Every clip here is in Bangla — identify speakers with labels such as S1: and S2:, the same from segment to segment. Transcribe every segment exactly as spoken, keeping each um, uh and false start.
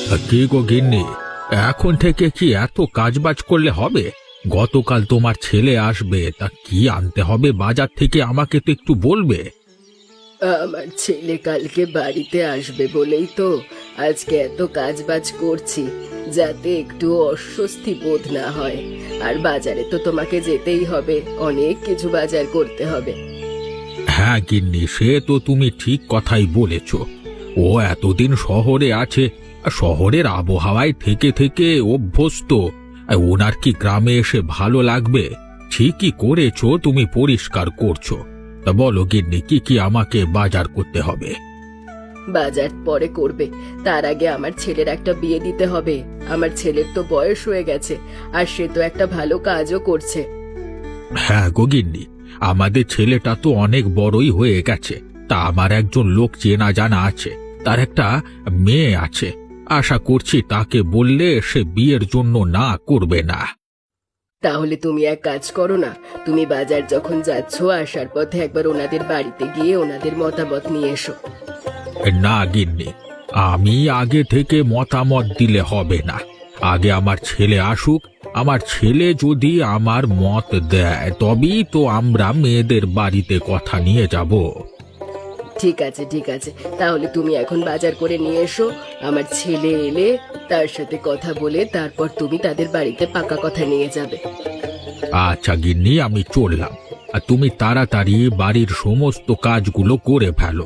S1: কি গো গিন্নি, এখন থেকে কি এত কাজবাজ করলে হবে? গতকাল তোমার ছেলে আসবে, তা কি আনতে হবে বাজার থেকে আমাকে তো একটু বলবে।
S2: আমার ছেলে কালকে বাড়িতে আসবে বলেই তো আজকে এত কাজবাজ করছি, যাতে একটু অস্বস্তি বোধ না হয়। আর বাজারে তো তোমাকে যেতেই হবে, অনেক কিছু বাজার করতে হবে।
S1: হ্যাঁ গিন্নি, সে তো তুমি ঠিক কথাই বলেছ। ও এতদিন শহরে আছে, আর শহরের আবহাওয়ায় থেকে থেকে অভ্যস্ত। আর ওনার কি গ্রামে এসে ভালো লাগবে? ঠিকই করেছো, তুমি পরিষ্কার করছো। তা বলো গিন্নি, কি কি আমাকে বাজার করতে হবে?
S2: বাজার পরে করবে, তার আগে আমার ছেলের একটা বিয়ে দিতে হবে। আমার ছেলের তো বয়স হয়ে গেছে, আর সে তো একটা ভালো কাজও করছে।
S1: হ্যাঁ গো গিন্নি, আমাদের ছেলেটা তো অনেক বড়ই হয়ে গেছে। তা আমার একজন লোক চেনা জানা আছে, তার একটা মেয়ে আছে। আশা করছি তাকে বললে সে বিয়ের জন্য না করবে না।
S2: তাহলে তুমি এক কাজ করো না, তুমি বাজার যখন যাচ্ছ আসার পথে একবার ওনাদের বাড়িতে গিয়ে ওনাদের মতামত নিয়ে এসো।
S1: না গিন্নি, আমি আগে থেকে মতামত দিলে হবে না। আগে আমার ছেলে আসুক, আমার ছেলে যদি আমার মত দেয় তবেই তো আমরা মেয়েদের বাড়িতে কথা নিয়ে যাব।
S2: ঠিক আছে ঠিক আছে, তাহলে তুমি এখন বাজার করে নিয়ে এসো। আমার ছেলে এলে তার সাথে কথা বলে তারপর তুমি তাদের বাড়িতে পাকা কথা নিয়ে যাবে।
S1: আচ্ছা গিন্নি, আমি চললাম। আর তুমি তাড়াতাড়ি বাড়ির সমস্ত কাজগুলো করে ফেলো।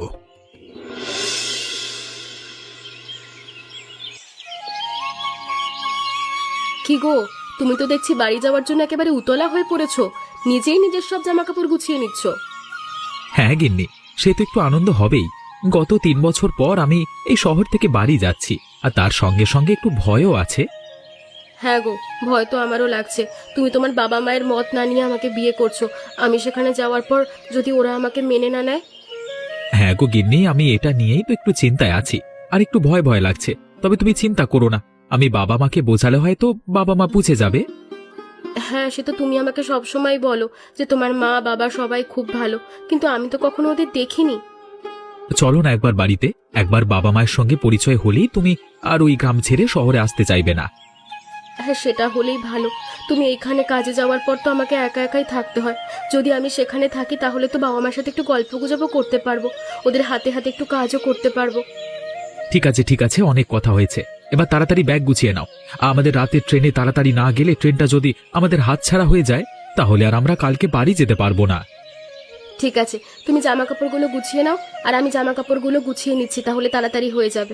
S2: কি গো, তুমি তো দেখছি বাড়ি যাওয়ার জন্য একেবারে উতলা হয়ে পড়েছো, নিজেই নিজের সব জামা কাপড় গুছিয়ে নিচ্ছ।
S3: হ্যাঁ গিন্নি, সে তো একটু আনন্দ হবেই। গত তিন বছর পর আমি এই শহর থেকে বাড়ি যাচ্ছি, আর তার সঙ্গে সঙ্গে একটু ভয়ও আছে।
S2: হ্যাঁ গো, ভয় তো আমারও লাগছে। তুমি তোমার বাবা মায়ের মত না নিয়ে আমাকে বিয়ে করছো, আমি সেখানে যাওয়ার পর যদি ওরা আমাকে মেনে না নেয়।
S3: হ্যাঁ গো গিন্নি, আমি এটা নিয়েই তো একটু চিন্তায় আছি, আর একটু ভয় ভয় লাগছে। তবে তুমি চিন্তা করো না, আমি বাবা মাকে বোঝালে হয়তো বাবা মা বুঝে যাবে।
S2: হ্যাঁ, সে তো তুমি আমাকে সব সময় বলো যে তোমার মা বাবা সবাই খুব ভালো, কিন্তু আমি তো কখনো ওদের দেখিনি।
S3: চলো না একবার বাড়িতে, একবার বাবা মায়ের সঙ্গে পরিচয় হলেই তুমি আর ওই গ্রাম ছেড়ে শহরে আসতে চাইবে না।
S2: হ্যাঁ, সেটা হলেই ভালো। তুমি এইখানে কাজে যাওয়ার পর তো আমাকে একা একাই থাকতে হয়। যদি আমি সেখানে থাকি তাহলে তো বাবা মার সাথে একটু গল্প গুজবও করতে পারবো, ওদের হাতে হাতে একটু কাজও করতে পারবো।
S3: ঠিক আছে ঠিক আছে, অনেক কথা হয়েছে, এবার তাড়াতাড়ি ব্যাগ গুছিয়ে নাও। আমাদের রাতের ট্রেনে তাড়াতাড়ি না গেলে ট্রেনটা যদি আমাদের হাতছাড়া হয়ে যায় তাহলে আর আমরা কালকে বাড়ি যেতে পারবো না।
S2: ঠিক আছে, তুমি জামা কাপড়গুলো গুছিয়ে নাও, আর আমি জামা কাপড়গুলো গুছিয়ে নিচ্ছি, তাহলে তাড়াতাড়ি হয়ে যাবে।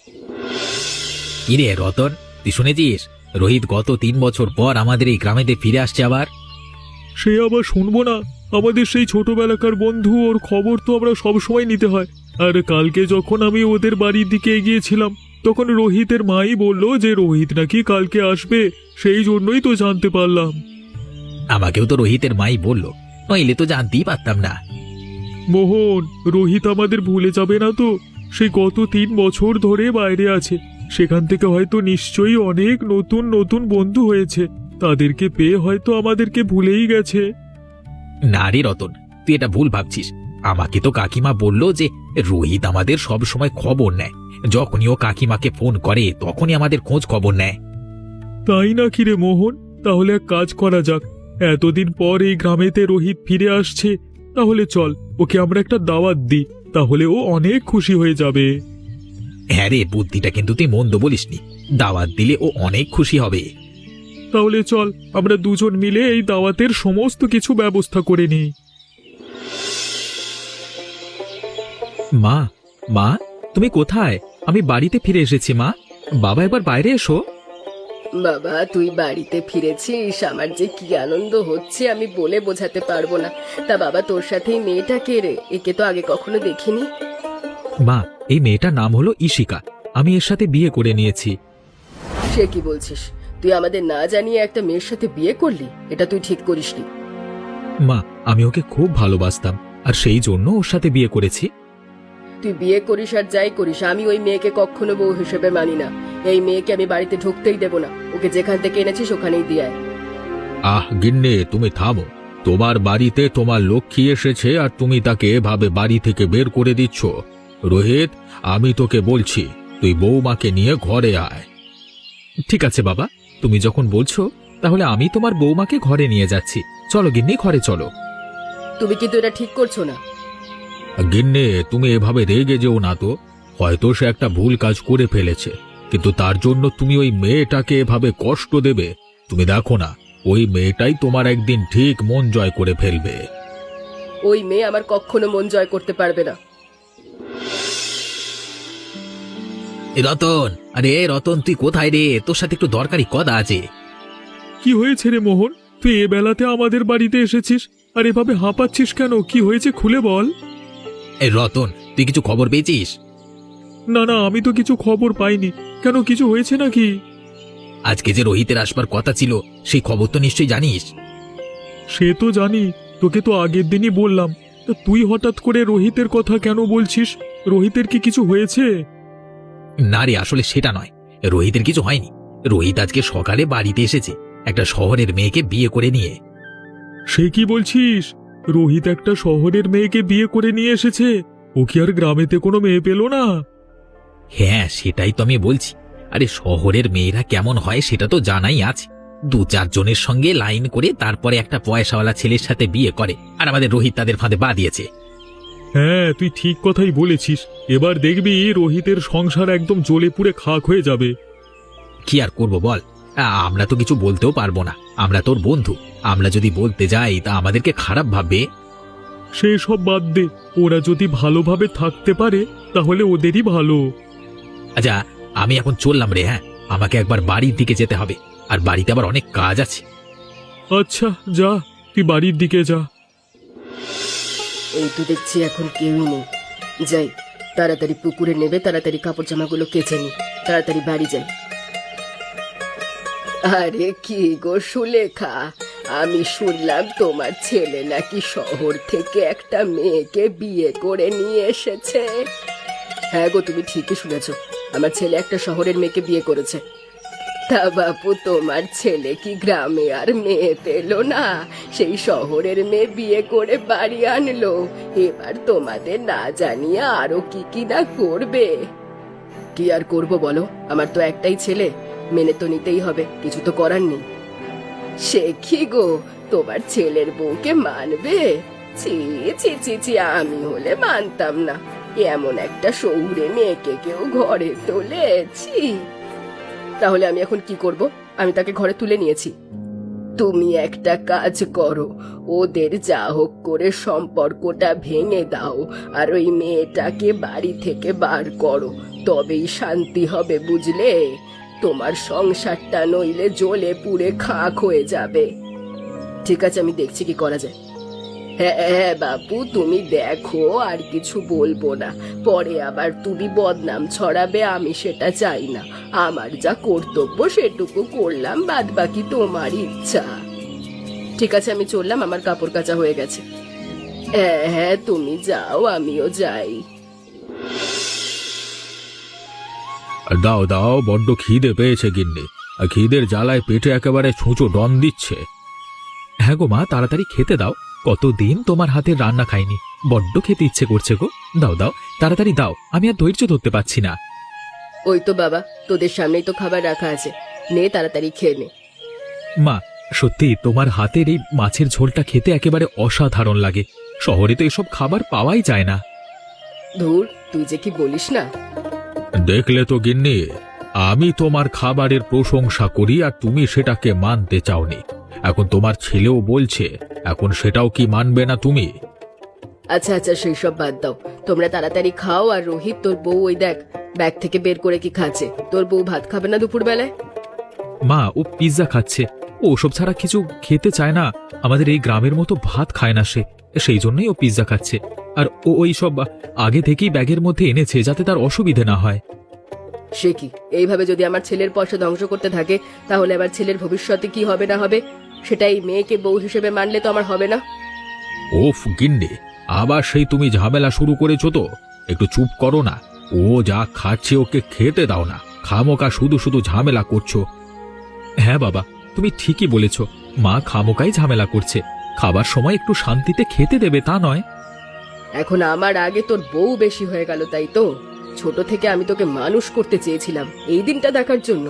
S4: কিরে রতন, তুই শুনেছিস রোহিত গত তিন বছর পর আমাদের এই গ্রামেতে ফিরে আসছে আবার?
S5: সে আবার শুনবো না? আমাদের সেই ছোটবেলাকার বন্ধু, ওর খবর তো আমরা সব সময় নিতে হয়। আর কালকে যখন আমি ওদের বাড়ির দিকে এগিয়েছিলাম তখন রোহিতের মাই বলল যে রোহিত নাকি কালকে আসবে, সেই জন্যই তো জানতে পারলাম।
S4: আমাকেও তো রোহিতের মাই বলল, নইলে তো জানতেই পারতাম না।
S5: মোহন, রোহিত আমাদের ভুলে যাবে না তো? সে গত তিন বছর ধরে বাইরে আছে, সেখান থেকে হয়তো নিশ্চয়ই অনেক নতুন নতুন বন্ধু হয়েছে, তাদেরকে পেয়ে হয়তো আমাদেরকে ভুলেই গেছে।
S4: না রে রতন, তুই এটা ভুল ভাবছিস। আমাকে তো কাকিমা বলল যে রোহিত আমাদের সব সময় খবর নেয়, যখনই ও কাকিমাকে ফোন করে তখনই আমাদের খোঁজ খবর নেয়।
S5: তাই নাকি রে মোহন? তাহলে এক কাজ করা যাক, এতদিন পর এই গ্রামেতে রোহিত ফিরে আসছে, তাহলে চল ওকে আমরা একটা দাওয়াত দিই, তাহলে ও অনেক খুশি হয়ে যাবে।
S4: হ্যাঁ রে, বুদ্ধিটা কিন্তু তুই মন্দ বলিসনি, দাওয়াত দিলে ও অনেক খুশি হবে।
S5: তাহলে চল আমরা দুজন মিলে এই দাওয়াতের সমস্ত কিছু ব্যবস্থা করে নিই।
S3: মা, মা তুমি কোথায়? আমি বাড়িতে ফিরে এসেছি মা। বাবা একবার বাইরে এসো।
S2: বাবা, তুই বাড়িতে ফিরেছিস, আমার যে কি আনন্দ হচ্ছে আমি বলে বোঝাতে পারবো না। তা বাবা, তোর সাথে এই মেয়েটা কে রে? একে তো আগে কখনো দেখিনি।
S3: মা, এই মেয়েটার নাম হলো ইশিকা, আমি এর সাথে বিয়ে করে নিয়েছি।
S2: সে কি বলছিস? তুই আমাদের না জানিয়ে একটা মেয়ের সাথে বিয়ে করলি? এটা তুই ঠিক করিসনি।
S3: মা, আমি ওকে খুব ভালোবাসতাম, আর সেই জন্য ওর সাথে বিয়ে করেছি।
S2: তুই বিয়ে করিস আর যাই করিস, আমি ওই মেয়েকে কখনো বউ হিসেবে মানি না। এই মেয়েকে আমি বাড়িতে ঢুকতেই দেব না, ওকে যেখান থেকে এনেছিস ওখানেই দিয়ে আয়।
S1: আহ গিন্নি, তুমি থামো। তোমার বাড়িতে তোমার লক্ষ্মী এসেছে আর তুমি তাকে এভাবে বাড়ি থেকে বের করে দিচ্ছ? রোহিত, আমি তোকে বলছি, তুই বৌমাকে নিয়ে ঘরে আয়।
S3: ঠিক আছে বাবা, তুমি যখন বলছো তাহলে আমি তোমার বৌমাকে ঘরে নিয়ে যাচ্ছি। চলো গিন্নি, ঘরে চলো।
S2: তুমি কিন্তু এটা ঠিক করছো না।
S1: গিন্নে, তুমি এভাবে রেগে যেও না তো। হয়তো সে একটা ভুল কাজ করে ফেলেছে, কিন্তু তার জন্য তুমি ওই মেয়েটাকে এভাবে কষ্ট দেবে? তুমি দেখো না, ওই মেয়েটাই তোমার একদিন ঠিক মন জয় করে ফেলবে।
S2: ওই মেয়ে আমার কখনো মন জয় করতে পারবে না।
S4: এ রতন, আরে রতন, তুই কোথায় রে? তোর সাথে একটু দরকারি কথা আছে।
S5: কি হয়েছে রে মোহন? তুই এ বেলাতে আমাদের বাড়িতে এসেছিস আর এভাবে হাঁপাচ্ছিস কেন? কি হয়েছে খুলে বল।
S4: এই রতন, তুই কিছু খবর পেয়েছিস?
S5: না না, আমি তো কিছু খবর পাইনি। কেন, কিছু হয়েছে নাকি?
S4: আজকে যে রোহিতের আসবার কথা ছিল, সেই খবর তো নিশ্চয়ই জানিস।
S5: সে তো জানি, তোকে তো আগের দিনই বললাম। তা তুই হঠাৎ করে রোহিতের কথা কেন বলছিস? রোহিতের কি কিছু হয়েছে?
S4: না রে, আসলে সেটা নয়। রোহিতের কিছু হয়নি। রোহিত আজকে সকালে বাড়িতে এসেছে একটা শহরের মেয়েকে বিয়ে করে নিয়ে।
S5: সে কি বলছিস? রোহিত একটা শহরের মেয়েকে বিয়ে করে নিয়ে এসেছে? ও কি আর গ্রামেতে কোনো মেয়ে পেল না?
S4: হ্যাঁ, সেটাই তো আমি বলছি। আরে শহরের মেয়েরা কেমন হয় সেটা তো জানাই আছে। দু চারজনের সঙ্গে লাইন করে তারপরে একটা পয়সাওয়ালা ছেলের সাথে বিয়ে করে, আর আমাদের রোহিত তাদের ফাঁদে পা দিয়েছে।
S5: হ্যাঁ, তুই ঠিক কথাই বলেছিস। এবার দেখবি রোহিতের সংসার একদম জ্বলে পুড়ে খাক হয়ে যাবে।
S4: কি আর করব বল, আ, আমরা তো কিছু বলতেও পারবো না। আমরা তোর বন্ধু, আমরা যদি বলতে যাই তা আমাদেরকে খারাপ ভাববে।
S5: সে সব বাদ দে। ওরা যদি ভালোভাবে থাকতে পারে তাহলে ওদেরই ভালো।
S4: আচ্ছা, আমি এখন চললাম রে। হ্যাঁ, আমাকে একবার বাড়ির দিকে যেতে হবে, আর বাড়িতে আবার অনেক কাজ আছে।
S5: আচ্ছা যা, তুই বাড়ির দিকে যা।
S2: এই তো দেখছি এখন কেউই নেই। যাই, তাড়াতাড়ি পুকুরে নেবে, তাড়াতাড়ি কাপড় জামাগুলো কেচে নি, তাড়াতাড়ি বাড়ি যাই। আরে কি গো সুলেখা, আমি শুনলাম তোমার ছেলে নাকি শহর থেকে একটা মেয়েকে বিয়ে করে নিয়ে এসেছে। হ্যাঁ গো, তুমি ঠিকই শুনেছ, আমার ছেলে একটা শহরের মেয়েকে বিয়ে করেছে। তা বাপু, তোমার ছেলে কি গ্রামে আর মেয়ে পেল না? সেই শহরের মেয়ে বিয়ে করে বাড়ি আনলো। এবার তোমাদের না জানিয়ে আরো কি কি না করবে। কি আর করব বলো, আমার তো একটাই ছেলে, মেনে তো নিতেই হবে, কিছু তো করার নেই। সে কি গো, তোমার ছেলের বউকে মানবে? ছি ছি ছি ছি, আমি হলে মানতাম না। এমন একটা শহুরে মেয়েকে কেউ ঘরে তোলেছি। তাহলে আমি এখন কি করব? আমি তাকে ঘরে তুলে নিয়েছি। তুমি একটা কাজ করো, ওদের যা হোক করে সম্পর্কটা ভেঙে দাও, আর ওই মেয়েটাকে বাড়ি থেকে বার করো, তবেই শান্তি হবে, বুঝলে? তোমার সংসারটা নইলে জ্বলে পুড়ে খাক হয়ে যাবে। ঠিক আছে, আমি দেখছি কি করা যায়। হ্যাঁ হ্যাঁ বাপু, তুমি দেখো, আর কিছু বলবো না, পরে আবার তুমি বদনাম ছড়াবে, আমি সেটা চাই না। আমার যা কর্তব্য সেটুকু করলাম, বাদ বাকি তোমার ইচ্ছা। ঠিক আছে, আমি চললাম, আমার কাপড় কাচা হয়ে গেছে। হ্যাঁ হ্যাঁ, তুমি যাও, আমিও যাই।
S1: দাও দাও, বড্ড খিদে পেয়েছে গিন্নি। আর খিদের জ্বালায় পেটে একেবারে ছুঁচো ডন দিচ্ছে।
S3: হ্যাঁ গো মা, তাড়াতাড়ি খেতে দাও। কতদিন তোমার হাতের রান্না খাইনি, বড্ড খেতে ইচ্ছে করছে গো। দাও দাও, তাড়াতাড়ি দাও, আমি আর ধৈর্য ধরতে পারছি না।
S2: ওই তো বাবা, তোদের সামনেই তো খাবার রাখা আছে, নে তাড়াতাড়ি খেয়ে নে।
S3: মা, সত্যি তোমার হাতের এই মাছের ঝোলটা খেতে একেবারে অসাধারণ লাগে। শহরে তো এসব খাবার পাওয়াই যায় না।
S2: ধুর, তুই যে কি বলিস না।
S1: দেখলে তো গিন্নি, আমি তোমার খাবারের প্রশংসা করি আর তুমি সেটাকে মানতে চাওনি। এখন তোমার ছেলেও বলছে, এখন সেটাও কি মানবে না তুমি?
S2: আচ্ছা আচ্ছা, সেই সব বাদ দাও, তোমরা তাড়াতাড়ি খাও। আর রোহিত, তোর বউ ওই দেখ ব্যাগ থেকে বের করে কি খাচ্ছে। তোর বউ ভাত খাবে না দুপুর বেলায়?
S3: মা, ও পিৎজা খাচ্ছে, ও ওসব ছাড়া কিছু খেতে চায় না। আমাদের এই গ্রামের মতো ভাত খায় না সে, সেই জন্যই ও পিৎজা খাচ্ছে। আর ও ওই সব আগে থেকেই ব্যাগের মধ্যে এনেছে যাতে তার অসুবিধে না হয়।
S2: সে কি, এইভাবে যদি আমার ছেলের পয়সা ধ্বংস করতে থাকে তাহলে আমার ছেলের ভবিষ্যতে কি হবে না হবে সেটাই মেয়েকে বউ হিসেবে মানলে তো আমার হবে না।
S1: ওফ গিন্নি, আবার সেই তুমি ঝামেলা শুরু করেছো তো। একটু চুপ করো না। ও যা খাচ্ছে ওকে খেতে দাও না, খামোকা শুধু শুধু ঝামেলা করছো।
S3: হ্যাঁ বাবা, তুমি ঠিকই বলেছ, মা খামোকাই ঝামেলা করছে। খাবার সময় একটু শান্তিতে খেতে দেবে, তা নয়।
S2: এখন আমার আগে তোর বউ বেশি হয়ে গেল, তাই তো? ছোট থেকে আমি তোকে মানুষ করতে চেয়েছিলাম এই দিনটা দেখার জন্য।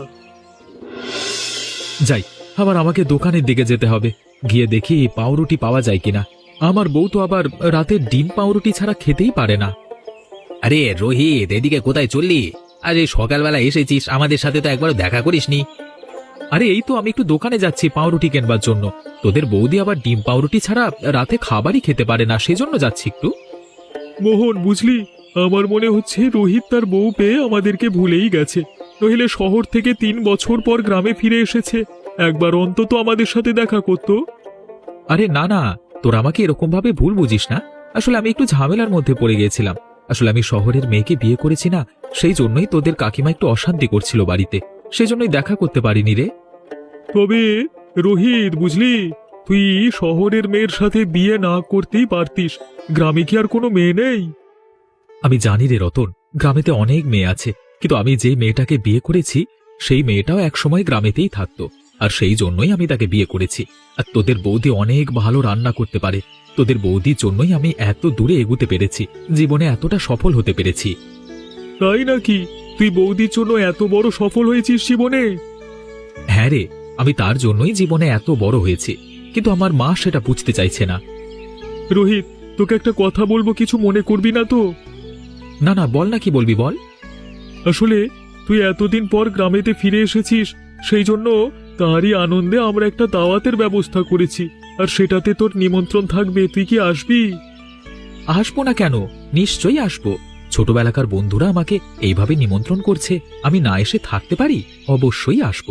S3: যাই, আবার আমাকে দোকানের দিকে যেতে হবে, গিয়ে দেখি পাউরুটি পাওয়া যায় কিনা। আমার বউ তো আবার রাতে ডিম পাউরুটি ছাড়া খেতেই পারে না।
S4: আরে রোহিত, এদিকে কোথায় চললি? আজ এই সকালবেলা এসেছিস, আমাদের সাথে তো একবারও দেখা করিসনি।
S3: আরে এই তো আমি একটু দোকানে যাচ্ছি পাউরুটি কেনবার জন্য। তোদের বৌদি আবার ডিম পাউরুটি ছাড়া রাতে খাবারই খেতে পারে না, সেজন্য যাচ্ছি একটু।
S5: মোহন, বুঝলি, আমার মনে হচ্ছে রোহিত তার বউ পেয়ে আমাদেরকে ভুলেই গেছে। নইলে শহর থেকে তিন বছর পর গ্রামে ফিরে এসেছে, একবার অন্তত আমাদের সাথে দেখা করতো।
S3: আরে না না, তোর আমাকে এরকম ভাবে ভুল বুঝিস না। আসলে আমি একটু ঝামেলার মধ্যে পড়ে গিয়েছিলাম। আসলে আমি শহরের মেয়েকে বিয়ে করেছি না, সেই জন্যই তোদের কাকিমা একটু অশান্তি করছিল বাড়িতে, সেই জন্যই দেখা করতে পারিনি রে।
S5: তবে রোহিত, বুঝলি, তুই শহরের মেয়ের সাথে বিয়ে না করতেই পারতিস। গ্রামে কি আর কোনো মেয়ে নেই?
S3: আমি জানি রে রতন, গ্রামেতে অনেক মেয়ে আছে, কিন্তু আমি যে মেয়েটাকে বিয়ে করেছি সেই মেয়েটাও একসময় গ্রামেতেই থাকতো, আর সেই জন্যই আমি তাকে বিয়ে করেছি। আর তোদের বৌদি অনেক ভালো রান্না করতে পারে, তোদের বৌদির জন্যই আমি এত দূরে এগুতে পেরেছি, জীবনে এতটা সফল হতে পেরেছি।
S5: তাই নাকি? তুই বৌদির জন্য এত বড় সফল হয়েছিস জীবনে?
S3: হ্যাঁ রে, আমি তার জন্যই জীবনে এত বড় হয়েছি, কিন্তু আমার মা সেটা বুঝতে চাইছে না।
S5: রোহিত, তোকে একটা কথা বলবো, কিছু মনে করবি না তো?
S3: না না, বল না, কি বলবি বল।
S5: আসলে তুই এতদিন পর গ্রামেতে ফিরে এসেছিস, সেই জন্য তারই আনন্দে আমরা একটা দাওয়াতের ব্যবস্থা করেছি, আর সেটাতে তোর নিমন্ত্রণ থাকবে। তুই কি আসবি?
S3: আসবো না কেন, নিশ্চয়ই আসবো। ছোটবেলাকার বন্ধুরা আমাকে এইভাবে নিমন্ত্রণ করছে, আমি না এসে থাকতে পারি? অবশ্যই আসবো।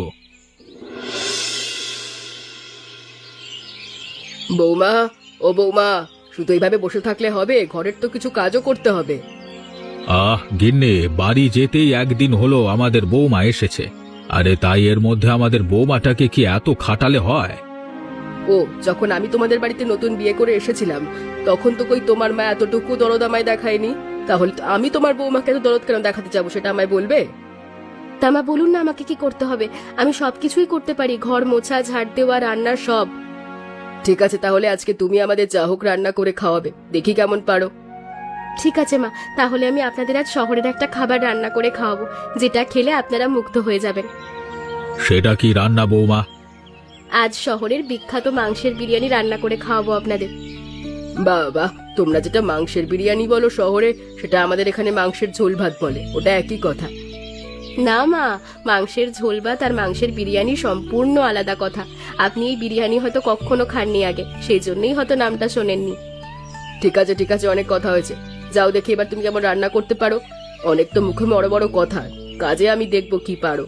S2: বৌমা, ও বৌমা, শুধু এইভাবে বসে থাকলে হবে? ঘরের তো কিছু কাজও করতে হবে।
S1: আহ গিন্নি, বাড়ি যেতেই একদিন হলো আমাদের বৌমা এসেছে। আরে তাই এর মধ্যে আমাদের বৌমাটাকে কি এত খাটালে হয়?
S2: ও, যখন আমি তোমাদের বাড়িতে নতুন বিয়ে করে এসেছিলাম তখন তো কই তোমার মা এতটুকু দরদ আমায় দেখায়নি। তাহলে তো আমি তোমার বৌমাকে এত দরদ কেন দেখাতে যাবো, সেটা আমায় বলবে?
S6: তা মা বলুন না আমাকে কি করতে হবে? আমি সবকিছুই করতে পারি, ঘর মোছা, ঝাড় দেওয়া, রান্নার সব।
S2: ঠিক আছে, তাহলে আজকে তুমি আমাদের যা হোক রান্না করে খাওয়াবে, দেখি কেমন পারো।
S6: ঠিক আছে মা, তাহলে আমি আপনাদের আজ শহরের একটা খাবার রান্না করে খাওয়াবো, যেটা খেলে আপনারা মুগ্ধ হয়ে যাবেন।
S1: সেটা কি রান্না বৌমা?
S6: আজ শহরের বিখ্যাত মাংসের বিরিয়ানি রান্না করে খাওয়াবো আপনাদের।
S2: বাবা, তোমরা যেটা মাংসের বিরিয়ানি বলো শহরে, সেটা আমাদের এখানে মাংসের ঝোল ভাত বলে, ওটা একই কথা।
S6: না মা, মাংসের ঝোল ভাত আর মাংসের বিরিয়ানি সম্পূর্ণ আলাদা কথা। আপনি এই বিরিয়ানি হয়তো কখনো খাননি আগে, সেই জন্যই হয়তো নামটা শোনেননি।
S2: ঠিক আছে ঠিক আছে, অনেক কথা হয়েছে, যাও দেখি এবার তুমি কেমন রান্না করতে পারো। অনেক তো মুখে বড় বড় কথা, কাজে আমি দেখবো কি পারো।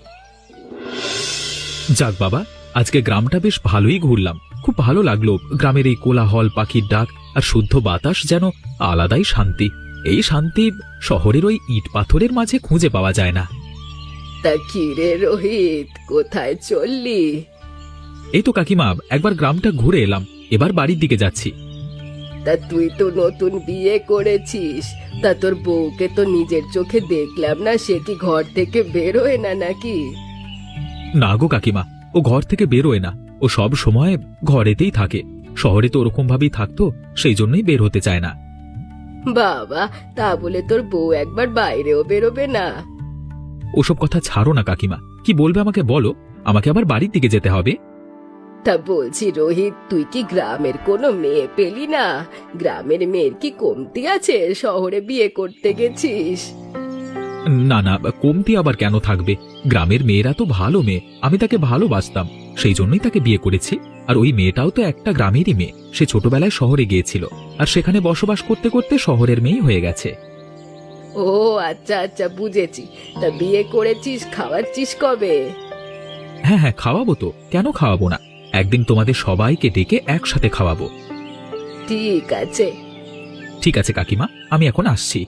S3: যাক বাবা, আজকে গ্রামটা বেশ ভালোই ঘুরলাম, খুব ভালো লাগলো। গ্রামের এই কোলাহল, পাখির ডাক আর শুদ্ধ বাতাস যেন আলাদাই শান্তি। এই শান্তি শহরের ওই ইট পাথরের মাঝে খুঁজে পাওয়া যায় না।
S2: তা কি রে রোহিত, কোথায় চললি?
S3: এই তো কাকিমা, একবার গ্রামটা ঘুরে এলাম, এবার বাড়ির দিকে যাচ্ছি।
S2: তা তুই তো নতুন বিয়ে করেছিস, তা তোর বউকে তো নিজের চোখে দেখলাম না, সে কি ঘর থেকে বেরোয় না নাকি?
S3: না গো কাকিমা, ও ঘর থেকে বেরোয় না, ও সব সময় ঘরেতেই থাকে। শহরে তো ওরকম ভাবেই থাকতো, সেই জন্যই বের হতে চায় না।
S2: বাবা, তা বলে তোর বউ একবার বাইরেও বেরোবে না?
S3: ওসব কথা ছাড়ো না কাকিমা, কি বলবে আমাকে বলো, আমাকে আবার বাড়ির দিকে যেতে হবে।
S2: তা বলছি রোহিত, তুই কি গ্রামের কোনো মেয়ে পেলি না? গ্রামের মেয়ের কি কমতি আছে, শহরে বিয়ে করতে গেছিস?
S3: না না, কমতি আবার কেন থাকবে? গ্রামের মেয়েরা তো ভালো মেয়ে, আমি তাকে ভালোবাসতাম, সেই জন্যই তাকে বিয়ে করেছি। আর ওই মেয়েটাও তো একটা গ্রামেরই মেয়ে, সে ছোটবেলায় শহরে গিয়েছিল, আর সেখানে বসবাস করতে করতে শহরের মেয়েই হয়ে গেছে।
S2: ও আচ্ছা আচ্ছা, বুঝেছি। তা বিয়ে করেছিস, খাওয়াচ্ছিস কবে?
S3: হ্যাঁ হ্যাঁ, খাওয়াবো তো, কেন খাওয়াবো না? একদিন তোমাদের সবাইকে ডেকে একসাথে খাওয়াবো।
S2: ঠিক আছে।
S3: ঠিক আছে কাকিমা, আমি এখন আসছি।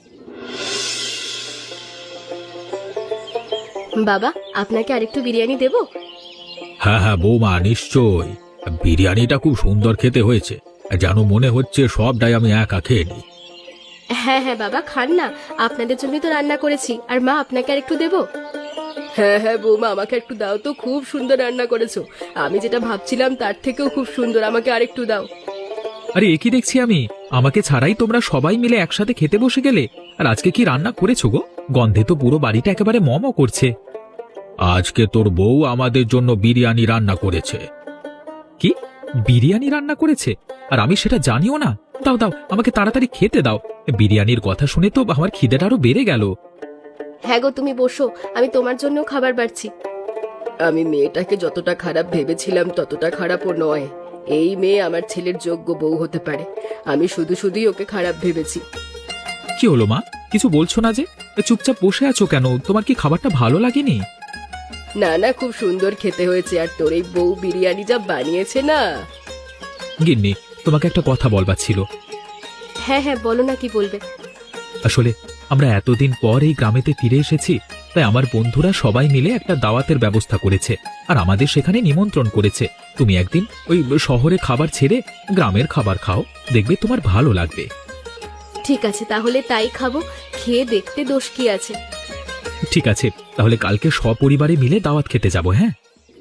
S6: বাবা, আপনাকে আরেকটু বিরিয়ানি দেবো?
S1: হ্যাঁ হ্যাঁ বৌমা, নিশ্চয়। বিরিয়ানিটা খুব সুন্দর খেতে হয়েছে, যেন মনে হচ্ছে সবটাই আমি একা খেয়ে নিই।
S6: হ্যাঁ হ্যাঁ বাবা, খান না, আপনাদের জন্যই তো রান্না করেছি। আর মা, আপনাকে আরেকটু দেবো?
S2: হ্যাঁ হ্যাঁ বৌমা, আমাকে একটু দাও তো, খুব সুন্দর রান্না করেছো। আমি যেটা ভাবছিলাম তার থেকেও খুব সুন্দর, আমাকে আরেকটু দাও।
S3: আরে এ কি দেখছি আমি, আমাকে ছাড়াই তোমরা সবাই মিলে একসাথে খেতে বসে গেলে। আর আজকে কি রান্না করেছো গো? গন্ধে তো পুরো বাড়িটা একেবারে মম করছে।
S1: আজকে তোর বউ আমাদের জন্য বিরিয়ানি রান্না করেছে।
S3: কি বিরিয়ানি রান্না করেছে? আর আমি সেটা জানিও না? দাও দাও, আমাকে তাড়াতাড়ি খেতে দাও। বিরিয়ানির কথা শুনে তো আমার খিদেটা আরো বেড়ে গেল।
S6: হ্যাঁ গো, তুমি বসো, আমি তোমার জন্য খাবার বাড়ছি।
S2: আমি মেয়েটাকে যতটা খারাপ ভেবেছিলাম ততটা খারাপও নয়। এই মেয়ে আমার ছেলের যোগ্য বউ হতে পারে। আমি শুধু শুধুই ওকে খারাপ ভেবেছি।
S3: কি হলো মা, কিছু বলছো না যে? চুপচাপ বসে আছো কেন? তোমার কি খাবারটা ভালো লাগেনি?
S2: না না, খুব সুন্দর খেতে হয়েছে। আর তোর এই বউ বিরিয়ানি যা বানিয়েছে না।
S3: গিন্নি, তোমাকে একটা কথা বলবার ছিল।
S6: হ্যাঁ হ্যাঁ, বলো না, কি বলবে?
S3: আসলে আমরা এতদিন পর এই গ্রামেতে ফিরে এসেছি, তাই আমার বন্ধুরা সবাই মিলে একটা দাওয়াতের ব্যবস্থা করেছে আর আমাদের সেখানে নিমন্ত্রণ করেছে। তুমি একদিন ওই শহরে খাবার ছেড়ে গ্রামের খাবার খাও, দেখবে তোমার ভালো লাগবে।
S6: ঠিক আছে, তাহলে তাই খাবো। খেয়ে দেখতে দোষ কি আছে?
S3: ঠিক আছে, তাহলে কালকে সপরিবারে মিলে দাওয়াত খেতে যাব। হ্যাঁ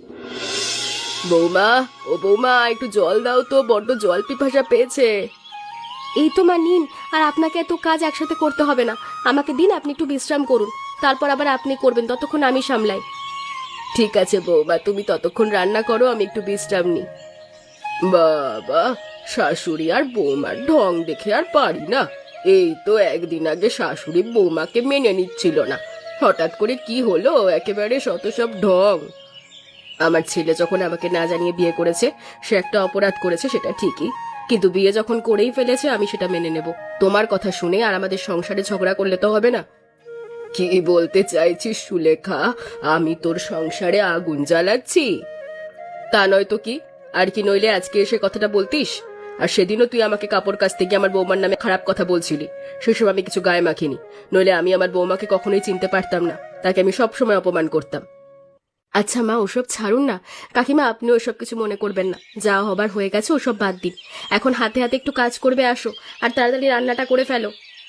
S2: বৌমা, ও বৌমা, একটু জল দাও তো, বড্ড জল পিপাসা পেয়েছে।
S6: এই তো মা, নিন। আর আপনাকে এত কাজ একসাথে করতে হবে না, আমাকে দিন, আপনি একটু বিশ্রাম করুন, তারপর আবার আপনি করবেন, ততক্ষণ আমি সামলাই।
S2: ঠিক আছে বৌমা, তুমি ততক্ষণ রান্না করো, আমি একটু বিশ্রাম নিই। বাবা, শাশুড়ি আর বৌমার ঢং দেখে আর পারি না। এই তো একদিন আগে শাশুড়ি বৌমাকে মেনে নিচ্ছিল না, হঠাৎ করে কি হলো, একেবারে শত সব ঢং। আমার ছেলে যখন আমাকে না জানিয়ে বিয়ে করেছে, সে একটা অপরাধ করেছে, সেটা ঠিকই, কিন্তু বিয়ে যখন করেই ফেলেছে আমি সেটা মেনে নেব। তোমার কথা শুনে আর আমাদের সংসারে ঝগড়া করলে তো হবে না। কি বলতে চাইছিস সুলেখা? আমি তোর সংসারে আগুন জ্বালাচ্ছি? তা নয় তো কি, আর কি নইলে আজকে এসে কথাটা বলতিস? আর সেদিনও তুই আমাকে কাপড় কাচতে গিয়ে আমার বৌমার নামে খারাপ কথা বলছিলি, সেসব আমি কিছু গায়ে মাখিনি। নইলে আমি আমার বৌমাকে কখনোই চিনতে পারতাম না, তাকে আমি সবসময় অপমান করতাম।
S6: আচ্ছা মা, ওসব ছাড়ুন না। কাকিমা, আপনি ওসব কিছু মনে করবেন না, যা হবার হয়ে গেছে, ওসব বাদ দিন। এখন হাতে হাতে একটু কাজ করবে, আসো আর তাড়াতাড়ি রান্নাটা করে ফেলো।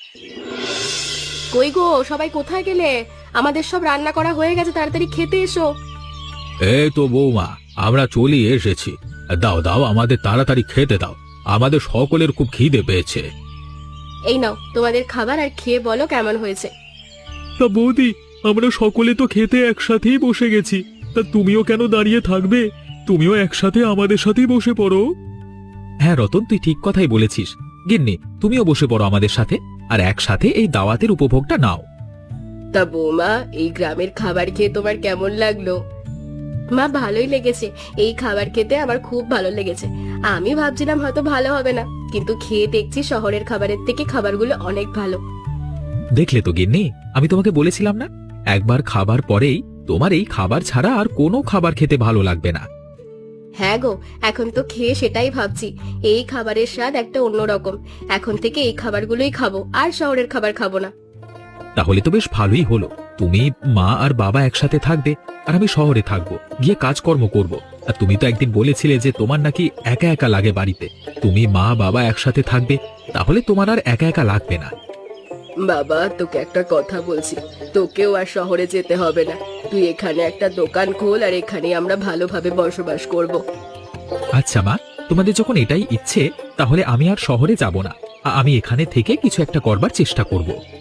S6: কই গো, সবাই কোথায় গেলে? আমাদের সব রান্না করা হয়ে গেছে, তাড়াতাড়ি খেতে এসো।
S1: এই তো বৌমা, আমরা চলে এসেছি। দাও দাও, আমাদের তাড়াতাড়ি খেতে দাও, আমাদের সকলের খুব খিদে পেয়েছে।
S6: এই নাও তোমাদের খাবার, আর খেয়ে বলো কেমন হয়েছে।
S5: তা বৌদি, আমরা সকলে তো খেতে একসাথেই বসে গেছি, তা তুমিও কেন দাঁড়িয়ে থাকবে? তুমিও একসাথে আমাদের সাথেই বসে পড়ো।
S3: হ্যাঁ রতন, তুই ঠিক কথাই বলেছিস। গিন্নি, তুমিও বসে পড়ো আমাদের সাথে, আর একসাথে এই দাওয়াতের উপভোগটা নাও।
S2: তা বৌমা, এই গ্রামের খাবার খেয়ে তোমার কেমন লাগলো?
S6: মা, ভালোই লেগেছে। এই খাবার খেতে আমার খুব ভালো লেগেছে। আমি ভাবছিলাম হয়তো ভালো হবে না, কিন্তু খেয়ে দেখছি শহরের খাবারের থেকে খাবারগুলো অনেক ভালো।
S3: দেখলে তো গিন্নি, আমি তোমাকে বলেছিলাম না, একবার খাবার পরেই তোমার এই খাবার ছাড়া আর কোনো খাবার খেতে ভালো লাগবে না।
S6: হ্যাঁ গো, এখন তো খেয়ে সেটাই ভাবছি, এই খাবারের স্বাদ একটা অন্যরকম। এখন থেকে এই খাবারগুলোই খাবো, আর শহরের খাবার খাবো না।
S3: তাহলে তো বেশ ভালোই হলো। তুমি, মা আর বাবা একসাথে থাকবে, আর আমি শহরে থাকবো, গিয়ে কাজকর্ম করব। আর তুমি তো একদিন বলেছিলে যে তোমার নাকি একা একা লাগে বাড়িতে। তুমি মা বাবা একসাথে থাকবে, তাহলে তোমার আর একা একা লাগবে না।
S2: বাবা, তোকে একটা কথা বলছি, তোকেও আর শহরে যেতে হবে না। তুই এখানে একটা দোকান খোল, আর এখানে আমরা ভালোভাবে বসবাস করব।
S3: আচ্ছা মা, তোমাদের যখন এটাই ইচ্ছে, তাহলে আমি আর শহরে যাব না। আ- আমি এখানে থেকে কিছু একটা করবার চেষ্টা করব।